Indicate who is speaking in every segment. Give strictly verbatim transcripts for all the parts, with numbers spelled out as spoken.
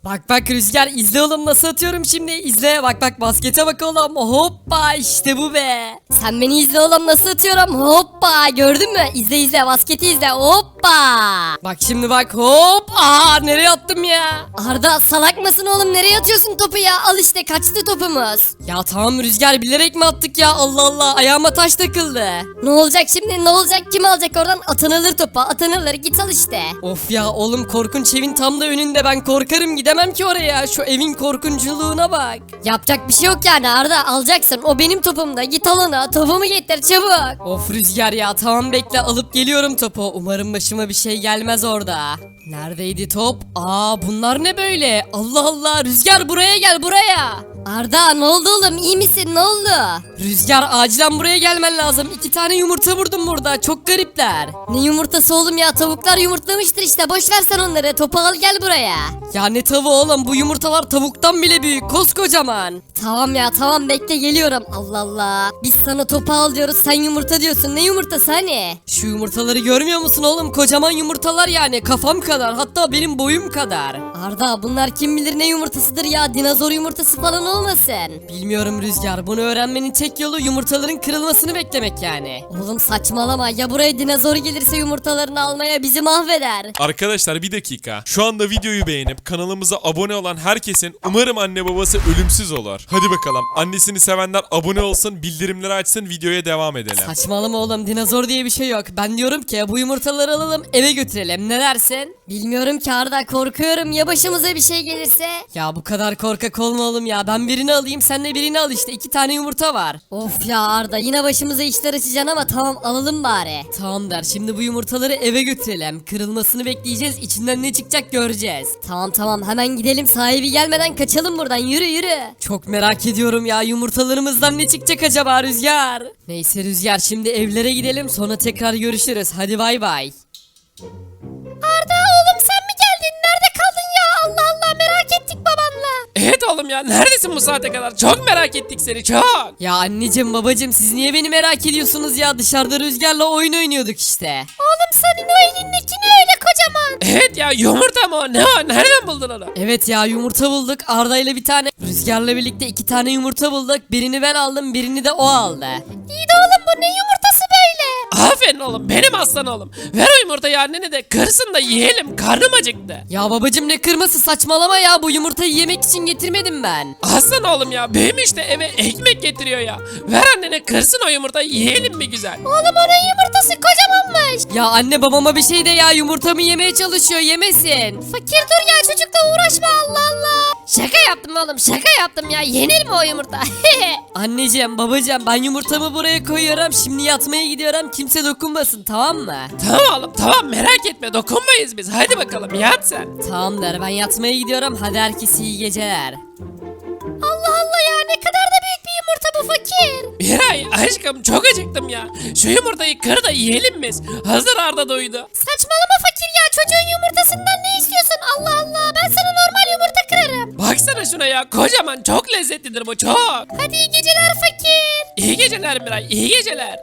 Speaker 1: Bak bak Rüzgar, izle oğlum nasıl atıyorum şimdi, izle bak bak, baskete bak oğlum, hoppa işte bu be.
Speaker 2: Sen beni izle oğlum nasıl atıyorum, hoppa, gördün mü? İzle izle, basketi izle, hoppa.
Speaker 1: Bak şimdi bak, hop, aa nereye attım ya.
Speaker 2: Arda salak mısın oğlum, nereye atıyorsun topu ya? Al işte, kaçtı topumuz.
Speaker 1: Ya tamam Rüzgar, bilerek mi attık ya, Allah Allah, ayağıma taş takıldı.
Speaker 2: Ne olacak şimdi, ne olacak, kim alacak oradan? Atan alır topu, atan alır, git al işte.
Speaker 1: Of ya oğlum, korkunç evin tam da önünde, ben korkarım, gidemem ki oraya, şu evin korkunculuğuna bak.
Speaker 2: Yapacak bir şey yok yani Arda, alacaksın, o benim topumda, git al onu, topumu getir çabuk.
Speaker 1: Of Rüzgar ya, tamam bekle, alıp geliyorum topu, umarım başıma bir şey gelmez orada. Neredeydi top? Aa bunlar ne böyle? Allah Allah, Rüzgar buraya gel, buraya.
Speaker 2: Arda ne oldu oğlum, iyi misin, ne oldu?
Speaker 1: Rüzgar acilen buraya gelmen lazım. İki tane yumurta vurdum burada. Çok garipler.
Speaker 2: Ne yumurtası oğlum ya, tavuklar yumurtlamıştır işte, boş ver sen onları, topu al gel buraya.
Speaker 1: Ya ne tavuğu oğlum, bu yumurtalar tavuktan bile büyük. Koskocaman.
Speaker 2: Tamam ya tamam, bekle geliyorum. Allah Allah, biz sana topu al diyoruz, sen yumurta diyorsun, ne yumurtası hani?
Speaker 1: Şu yumurtaları görmüyor musun oğlum? Kocaman yumurtalar yani. Kafam kadar. Hatta benim boyum kadar.
Speaker 2: Arda bunlar kim bilir ne yumurtasıdır ya, dinozor yumurtası falan olmasın?
Speaker 1: Bilmiyorum Rüzgar. Bunu öğrenmenin tek yolu yumurtaların kırılmasını beklemek yani.
Speaker 2: Oğlum saçmalama ya, buraya dinozor gelirse yumurtalarını almaya bizi mahveder.
Speaker 3: Arkadaşlar bir dakika. Şu anda videoyu beğenip kanalımıza abone olan herkesin umarım anne babası ölümsüz olur. Hadi bakalım. Annesini sevenler abone olsun, bildirimleri açsın, videoya devam edelim.
Speaker 1: Saçmalama oğlum, dinozor diye bir şey yok. Ben diyorum ki bu yumurtaları alalım, eve götürelim. Ne dersin?
Speaker 2: Bilmiyorum ki Arda, korkuyorum ya başımıza bir şey gelirse.
Speaker 1: Ya bu kadar korkak olma oğlum ya. Ben birini alayım, sen de birini al işte. İki tane yumurta var.
Speaker 2: Of ya Arda, yine başımıza işler açacaksın ama tamam, alalım bari.
Speaker 1: Tamam der. Şimdi bu yumurtaları eve götürelim. Kırılmasını bekleyeceğiz. İçinden ne çıkacak göreceğiz.
Speaker 2: Tamam tamam, hemen gidelim, sahibi gelmeden kaçalım buradan, yürü yürü.
Speaker 1: Çok merak ediyorum ya. Yumurtalarımızdan ne çıkacak acaba Rüzgar? Neyse Rüzgar, şimdi evlere gidelim. Sonra tekrar görüşürüz. Hadi bay bay.
Speaker 2: Arda oğlum, sen mi geldin? Nerede kaldın ya? Allah Allah, merak ettik babanla.
Speaker 4: Evet oğlum ya, neredesin bu saate kadar? Çok merak ettik seni, çok.
Speaker 1: Ya anneciğim babacığım, siz niye beni merak ediyorsunuz ya? Dışarıda Rüzgar'la oyun oynuyorduk işte.
Speaker 2: Oğlum senin o elindeki ne öyle kocaman?
Speaker 4: Evet ya, yumurta mı o? Ne o? Nereden buldun onu?
Speaker 1: Evet ya, yumurta bulduk. Arda ile bir tane, Rüzgar'la birlikte iki tane yumurta bulduk. Birini ben aldım, birini de o aldı.
Speaker 2: İyi de oğlum, bu ne yumurtası böyle?
Speaker 4: Aferin oğlum, benim aslan oğlum. Ver o yumurtayı annene de kırsın da yiyelim, karnım acıktı.
Speaker 1: Ya babacığım, ne kırması, saçmalama ya, bu yumurtayı yemek için getirmedim ben.
Speaker 4: Aslan oğlum ya, büyümüş de eve ekmek getiriyor ya. Ver annene kırsın o yumurtayı, yiyelim mi güzel?
Speaker 2: Oğlum onun yumurtası kocamanmış.
Speaker 1: Ya anne, babama bir şey de ya, yumurtamı yemeye çalışıyor, yemesin.
Speaker 2: Fakir dur ya, çocukla uğraşma, Allah Allah. Şaka yaptım oğlum, şaka yaptım ya, yenir mi o yumurta?
Speaker 1: Anneciğim babacığım, ben yumurtamı buraya koyuyorum, şimdi yatmaya gidiyorum, kimse dokunmasın, tamam mı?
Speaker 4: Tamam oğlum, tamam, merak etme, dokunmayız biz. Hadi bakalım, yat sen.
Speaker 1: Tamam der, ben yatmaya gidiyorum, hadi herkese iyi geceler.
Speaker 2: Allah Allah ya, ne kadar da büyük bir yumurta bu fakir.
Speaker 4: Miray aşkım, çok acıktım ya. Şu yumurtayı kır da yiyelim biz. Hazır Arda doydu.
Speaker 2: Saçmalama fakir ya, çocuğun yumurtasından ne istiyorsun? Allah Allah, ben sana normal yumurta kırarım.
Speaker 4: Baksana şuna ya, kocaman, çok lezzetlidir bu, çok.
Speaker 2: Hadi iyi geceler fakir.
Speaker 4: İyi geceler Miray, iyi geceler.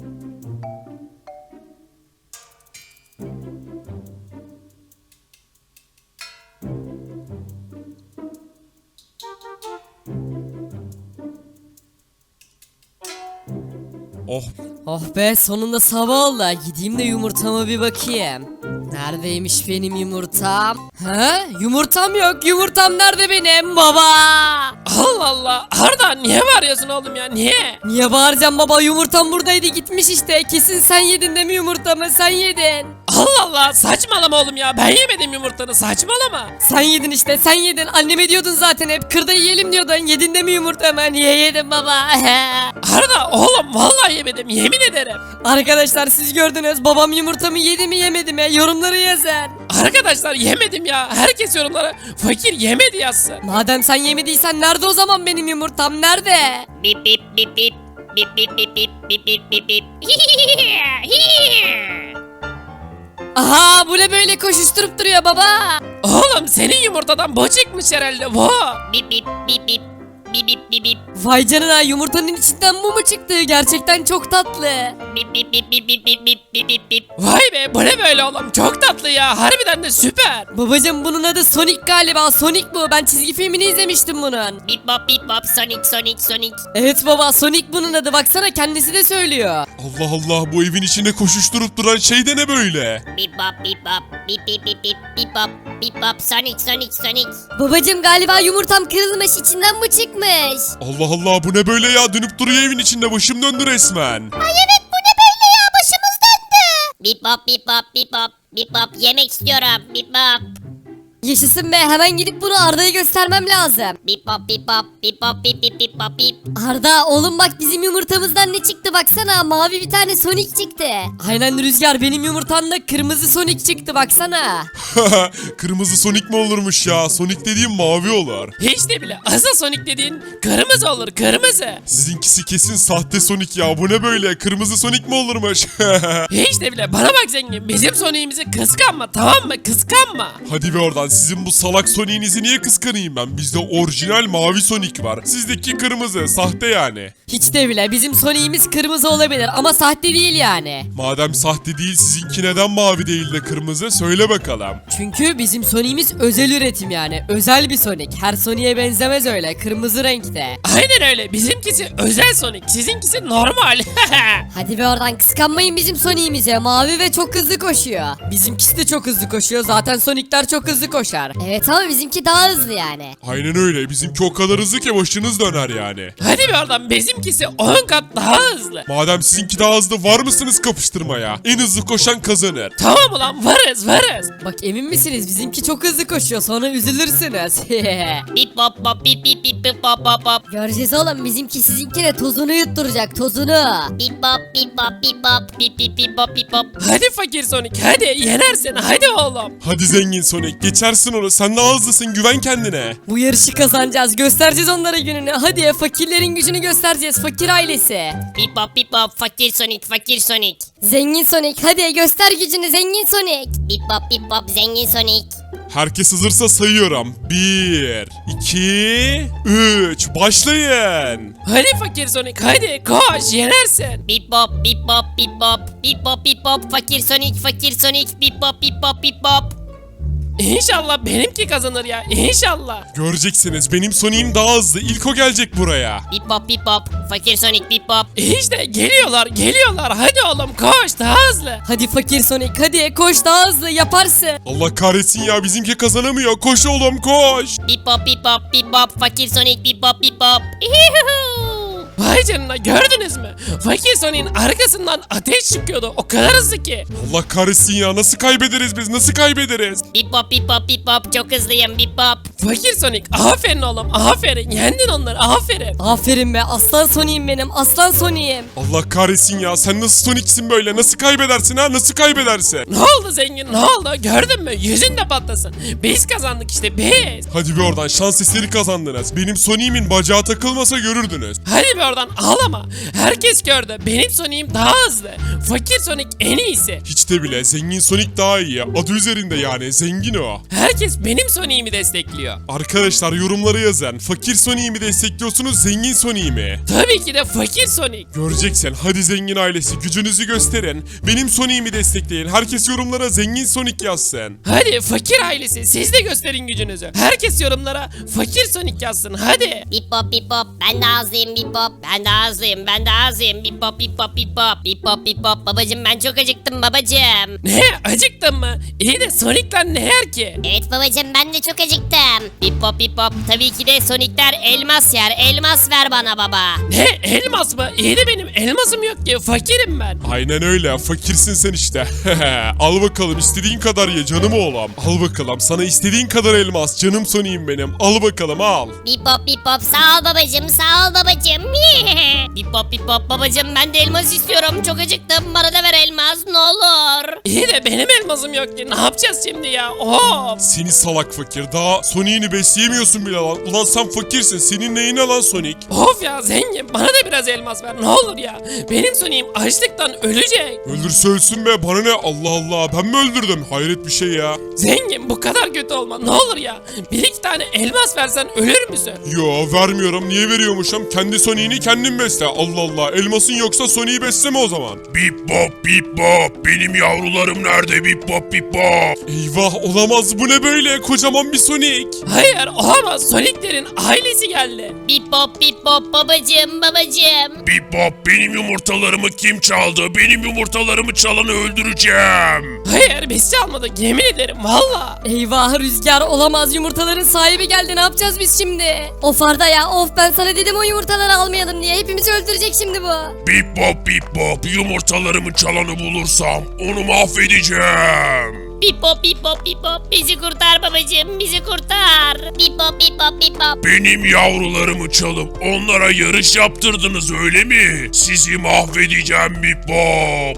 Speaker 3: Oh,
Speaker 1: Oh be, sonunda sabah oldu. Gideyim de yumurtama bir bakayım. Neredeymiş benim yumurtam? Ha? Yumurtam yok. Yumurtam nerede benim baba?
Speaker 4: Allah Allah, Arda niye bağırıyorsun oğlum ya, niye?
Speaker 1: Niye bağıracağım baba? Yumurtam buradaydı, gitmiş işte. Kesin sen yedin değil mi yumurtamı? Sen yedin.
Speaker 4: Allah Allah, saçmalama oğlum ya, ben yemedim yumurtanı, saçmalama.
Speaker 1: Sen yedin işte, sen yedin. Anneme diyordun zaten hep. Kır da yiyelim diyordun. Yedin de mi yumurtamı? Niye yedin baba?
Speaker 4: Arda oğlum, vallahi yemedim, yemin ederim.
Speaker 1: Arkadaşlar siz gördünüz. Babam yumurtamı yedi mi yemedi mi? Yorumları yazın.
Speaker 4: Arkadaşlar yemedim ya, herkes yorumlara fakir yemedi yazsın.
Speaker 1: Madem sen yemediysen nerede o zaman benim yumurtam? Nerede?
Speaker 5: Bip bip bip bip bip bip bip bip bip bip bip bip.
Speaker 1: Aha, bu ne böyle koşuşturup duruyor baba?
Speaker 4: Oğlum senin yumurtadan bu çıkmış herhalde bu.
Speaker 5: Bip bip bip bip bip bip bip bip
Speaker 1: Vay canına, yumurtanın içinden bu mu çıktı? Gerçekten çok tatlı.
Speaker 5: bip bip bip bip bip bip bip bip bip bip.
Speaker 4: Vay be bu ne böyle oğlum çok tatlı ya harbiden de süper.
Speaker 1: Babacım bunun adı Sonic galiba. Sonic bu. Ben çizgi filmini izlemiştim bunun.
Speaker 5: Bip bop bip bop Sonic Sonic Sonic.
Speaker 1: Evet baba, Sonic bunun adı. Baksana kendisi de söylüyor.
Speaker 3: Allah Allah, bu evin içinde koşuşturup duran şey de ne böyle?
Speaker 5: Bip bop bip bop bip bip bip bip bip bop bip bop Sonic Sonic Sonic.
Speaker 2: Babacım galiba yumurtam kırılmış, içinden bu çıkmış.
Speaker 3: Allah Allah, bu ne böyle ya, dönüp duruyor evin içinde, başım döndü resmen.
Speaker 2: Ay evet, bu ne böyle ya, başımız döndü.
Speaker 5: Bip bop bip bop bip bop bip bop yemek istiyorum bip bop.
Speaker 2: Yaşasın be, hemen gidip bunu Arda'ya göstermem lazım.
Speaker 5: Bip bop bip bop bip bop bip bip bip bop bip.
Speaker 2: Arda oğlum bak, bizim yumurtamızdan ne çıktı baksana, mavi bir tane Sonic çıktı.
Speaker 1: Aynen Rüzgar, benim yumurtamda kırmızı Sonic çıktı baksana.
Speaker 3: Kırmızı Sonic mi olurmuş ya? Sonic dediğim mavi olur.
Speaker 4: Hiç de bile asıl Sonic dediğin kırmızı olur kırmızı.
Speaker 3: Sizinkisi kesin sahte Sonic ya, bu ne böyle? Kırmızı Sonic mi olurmuş?
Speaker 4: Hiç de bile bana bak zengin bizim Sonic'imizi kıskanma tamam mı kıskanma.
Speaker 3: Hadi be oradan, sizin bu salak Sonic'inizi niye kıskanayım ben? Bizde orijinal mavi Sonic var. Sizdeki kırmızı, sahte yani.
Speaker 1: Hiç de bile bizim Sonic'imiz kırmızı olabilir ama sahte değil yani.
Speaker 3: Madem sahte değil, sizinki neden mavi değil de kırmızı? Söyle bakalım.
Speaker 1: Çünkü bizim Sonic'imiz özel üretim yani. Özel bir Sonic. Her Sonic'e benzemez öyle. Kırmızı renkte.
Speaker 4: Aynen öyle bizimkisi özel Sonic sizinkisi normal.
Speaker 2: Hadi be oradan, kıskanmayın bizim Sonic'imize, mavi ve çok hızlı koşuyor.
Speaker 1: Bizimkisi de çok hızlı koşuyor. Zaten Sonic'ler çok hızlı koşar.
Speaker 2: Evet ama bizimki daha hızlı yani.
Speaker 3: Aynen öyle. Bizimki o kadar hızlı ki başınız döner yani.
Speaker 4: Hadi bir oradan bizimkisi on kat daha hızlı.
Speaker 3: Madem sizinki daha hızlı, var mısınız kapıştırmaya? En hızlı koşan kazanır.
Speaker 4: Tamam ulan varız varız.
Speaker 1: Bak emin misiniz? Bizimki çok hızlı koşuyor. Sonra üzülürsünüz.
Speaker 5: Bip bop bop bip bip bip bip bop bop bop.
Speaker 2: Göreceğiz oğlum, bizimki sizinkine tozunu yutturacak, tozunu.
Speaker 5: Bip bop bip bop bip bop bip bip bip bop bip bop.
Speaker 4: Hadi fakir Sonic hadi yenersin hadi oğlum.
Speaker 3: Hadi zengin Sonic, geçersin onu. Sen daha hızlısın, güven kendine.
Speaker 1: Bu yarışı kazanacağız. Göstereceğiz onlara gününü. Hadi fakirlerin gücünü göstereceğiz. Fakir ailesi.
Speaker 5: Bip bop bip bop fakir Sonic fakir Sonic.
Speaker 2: Zengin Sonic, hadi göster gücünü zengin Sonic.
Speaker 5: Bip bop bip bop zengin Sonic.
Speaker 3: Herkes hazırsa sayıyorum. Bir, iki, üç. Başlayın.
Speaker 4: Hadi fakir Sonic hadi koş yenersin.
Speaker 5: Bip bop bip bop bip bop. Bip bop bip bop fakir Sonic fakir Sonic. Bip bop bip bop bip bop.
Speaker 4: İnşallah benimki kazanır ya inşallah.
Speaker 3: Göreceksiniz, benim Sonic'im daha hızlı. İlk o gelecek buraya.
Speaker 5: Bip bop bip bop fakir Sonic bip bop.
Speaker 4: İşte geliyorlar geliyorlar hadi oğlum koş daha hızlı.
Speaker 1: Hadi fakir Sonic. Hadi koş daha hızlı. Yaparsın.
Speaker 3: Allah kahretsin ya, bizimki kazanamıyor. Koş oğlum koş.
Speaker 5: Bip bop bip bop bip bop fakir Sonic bip bop bip bop. Ihihuhu.
Speaker 4: Vay canına gördünüz mü? Fakir Sonic'in arkasından ateş çıkıyordu o kadar hızlı ki.
Speaker 3: Allah kahretsin ya, nasıl kaybederiz biz, nasıl kaybederiz?
Speaker 5: Bip bop bip bop bip bop çok hızlıyım bip bop.
Speaker 4: Fakir Sonic aferin oğlum aferin yendin onları aferin.
Speaker 1: Aferin be. Aslan Sonic'im benim. Aslan Sonic'im.
Speaker 3: Allah kahretsin ya, sen nasıl Sonic'sin böyle, nasıl kaybedersin ha, nasıl kaybedersin?
Speaker 4: Ne oldu zengin ne oldu gördün mü yüzün de patlasın. Biz kazandık işte biz.
Speaker 3: Hadi bir oradan, şans eseri kazandınız. Benim Sonic'imin bacağı takılmasa görürdünüz.
Speaker 4: Hadi bir oradan ağlama. Herkes gördü benim Sonic'im daha hızlı. Fakir Sonic en iyisi.
Speaker 3: Hiç de bile, zengin Sonic daha iyi. Adı üzerinde yani, zengin o.
Speaker 4: Herkes benim Sonic'imi destekliyor.
Speaker 3: Arkadaşlar yorumlara yazın. Fakir Sonic'i mi destekliyorsunuz, zengin Sonic'i mi?
Speaker 4: Tabii ki de fakir Sonic.
Speaker 3: Göreceksin. Hadi zengin ailesi, gücünüzü gösterin. Benim Sonic'i mi destekleyin? Herkes yorumlara zengin Sonic yazsın.
Speaker 4: Hadi fakir ailesi siz de gösterin gücünüzü. Herkes yorumlara fakir Sonic yazsın hadi.
Speaker 5: Bip bop bip bop ben daha hızlıyım bip bop. Ben daha hızlıyım ben daha hızlıyım bip bop bip bop bip bop. Bip bop bip bop babacım ben çok acıktım babacım.
Speaker 4: Ne acıktın mı? İyi de Sonic'ler ne yer ki?
Speaker 5: Evet babacım ben de çok acıktım. Bip bop bip bop tabii ki de Sonic'ler elmas yer. Elmas ver bana baba.
Speaker 4: Ne elmas mı? İyi de benim elmasım yok ki fakirim ben.
Speaker 3: Aynen öyle. Fakirsin sen işte. Al bakalım, istediğin kadar ye canım oğlum. Al bakalım, sana istediğin kadar elmas. Canım Sonic'im benim. Al bakalım al.
Speaker 5: Bip bop bip bop sağ ol babacım sağ ol babacım. Bip bop bip bop babacım ben de elmas istiyorum. Çok acıktım bana da ver elmas ne olur.
Speaker 4: İyi de benim elmasım yok ki ne yapacağız şimdi ya? Of.
Speaker 3: Seni salak fakir. Daha Sonic'ini besleyemiyorsun bile lan. Ulan sen fakirsin. Senin neyine lan Sonic?
Speaker 4: Of ya zengin bana da biraz elmas ver ne olur ya? Benim Sonic'im açlıktan ölecek.
Speaker 3: Öldürse ölsün be, bana ne, Allah Allah, ben mi öldürdüm? Hayret bir şey ya.
Speaker 4: Zengin bu kadar kötü olma ne olur ya. Bir iki tane elmas versen ölür müsün?
Speaker 3: Yo, vermiyorum, niye veriyormuşum? Kendi Sonic'ini kendin besle, Allah Allah. Elmasın yoksa Sonic'i besleme o zaman.
Speaker 6: Bip bop bip bop. Benim yavrularım nerede bip bop bip bop.
Speaker 3: Eyvah, olamaz, bu ne böyle, kocaman bir Sonic.
Speaker 4: Hayır olamaz, Sonic'lerin ailesi geldi.
Speaker 5: Bip bop bip bop babacım babacım.
Speaker 6: Bip bop, benim yumurtalarımı kim çaldı? Benim yumurtalarımı çalanı öldüreceğim.
Speaker 4: Hayır biz çalmadık yemin ederim valla.
Speaker 2: Eyvah Rüzgar olamaz, yumurtaların sahibi geldi, ne yapacağız biz şimdi? Of Arda ya, of ben sana dedim o yumurtaları almayalım diye, hepimizi öldürecek şimdi bu.
Speaker 6: Bip bop bip bop, yumurtalarımı çalanı bulursam onu mahvedeceğim.
Speaker 5: Bip bop bip bop bip bop. Bizi kurtar babacım bizi kurtar. Bip bop bip bop bip bop.
Speaker 6: Benim yavrularımı çalıp onlara yarış yaptırdınız öyle mi? Sizi mahvedeceğim bip bop.